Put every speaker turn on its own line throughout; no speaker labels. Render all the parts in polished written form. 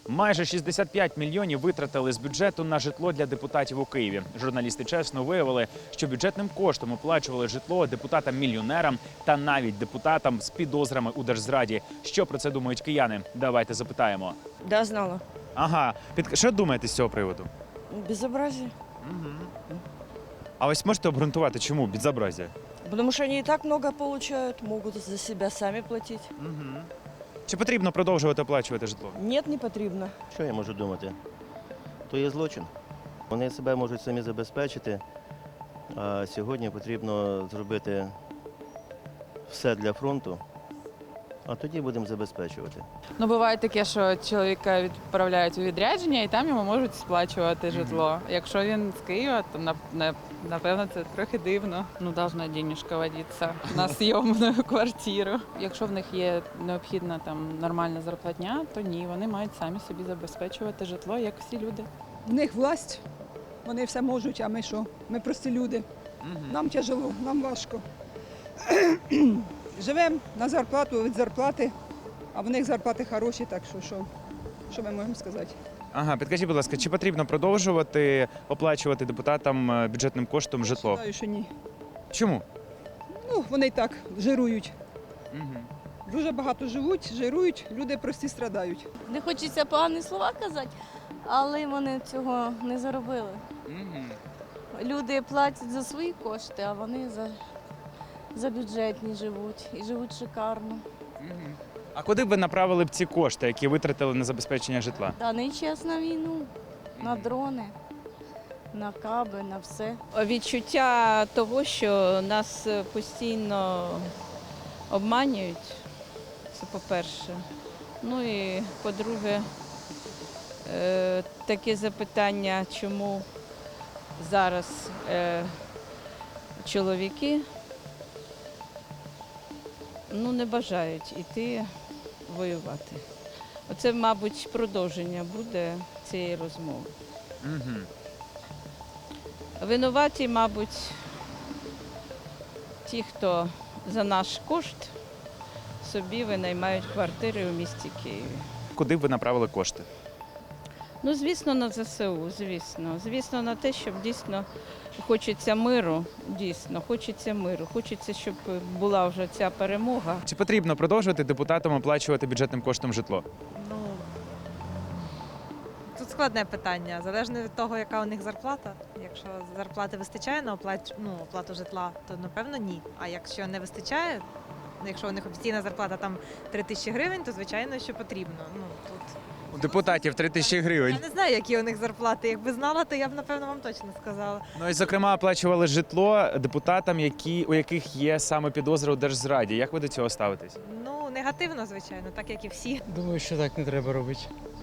Майже 65 мільйонів витратили з бюджету на житло для депутатів у Києві. Журналісти чесно виявили, що бюджетним коштом оплачували житло депутатам-мільйонерам та навіть депутатам з підозрами у держзраді. Що про це думають кияни? Давайте запитаємо.
Да, знала.
Ага, що думаєте з цього приводу?
Безобразие.
А ось можете обґрунтувати, чому безобразие?
Потому что они и так много получают, могут за себя сами платить.
Чи потрібно продовжувати оплачувати житло?
Нет, не потрібно.
Що я можу думати? То є злочин. Вони себе можуть самі забезпечити, а сьогодні потрібно зробити все для фронту, а тоді будемо забезпечувати.
Ну, буває таке, що чоловіка відправляють у відрядження і там йому можуть сплачувати житло. Якщо він з Києва, то напевно це трохи дивно. Ну, должна денежка водитися на зйомну квартиру. Якщо в них є необхідна там нормальна зарплатня, то ні, вони мають самі собі забезпечувати житло, як всі люди.
В них власть, вони все можуть, а ми що? Ми прості люди. Нам тяжело, нам важко. Живемо на зарплату від зарплати, а в них зарплати хороші, так що ми можемо сказати?
Ага, підкажіть, будь ласка, чи потрібно продовжувати оплачувати депутатам бюджетним коштом житло?
Я вважаю, що ні.
Чому?
Ну, вони і так жирують. Дуже багато живуть, жирують, люди прості страдають.
Не хочеться погані слова казати, але вони цього не заробили. Люди платять за свої кошти, а вони за бюджетні живуть і живуть шикарно.
А куди б ви направили б ці кошти, які витратили на забезпечення житла?
Та не час на війну, на дрони, на каби, на все.
Відчуття того, що нас постійно обманюють, це по-перше. Ну і по-друге, таке запитання, чому зараз чоловіки не бажають йти воювати. Оце, мабуть, продовження буде цієї розмови. Винуваті, мабуть, ті, хто за наш кошт собі винаймають квартири у місті Києві.
Куди б ви направили кошти?
Ну, звісно, на ЗСУ, звісно. Звісно, на те, щоб дійсно хочеться миру, хочеться, щоб була вже ця перемога.
Чи потрібно продовжувати депутатам оплачувати бюджетним коштом житло?
Ну, тут складне питання. Залежно від того, яка у них зарплата. Якщо зарплати вистачає на оплату житла, то напевно ні. А якщо не вистачає, якщо у них офіційна зарплата там 3 тисячі гривень, то звичайно, що потрібно. Тут
У депутатів 3 тисячі гривень.
я не знаю, які у них зарплати. Якби знала, то я б, напевно, вам точно сказала.
Ну і, зокрема, оплачували житло депутатам, у яких є саме підозри у держзраді. Як ви до цього ставитесь?
Ну, негативно, звичайно, так як і всі.
Думаю, що так не треба робити.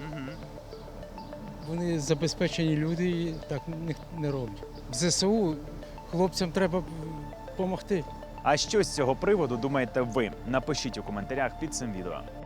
Вони забезпечені люди і так не роблять. В ЗСУ хлопцям треба допомогти.
А що з цього приводу думаєте ви? Напишіть у коментарях під цим відео.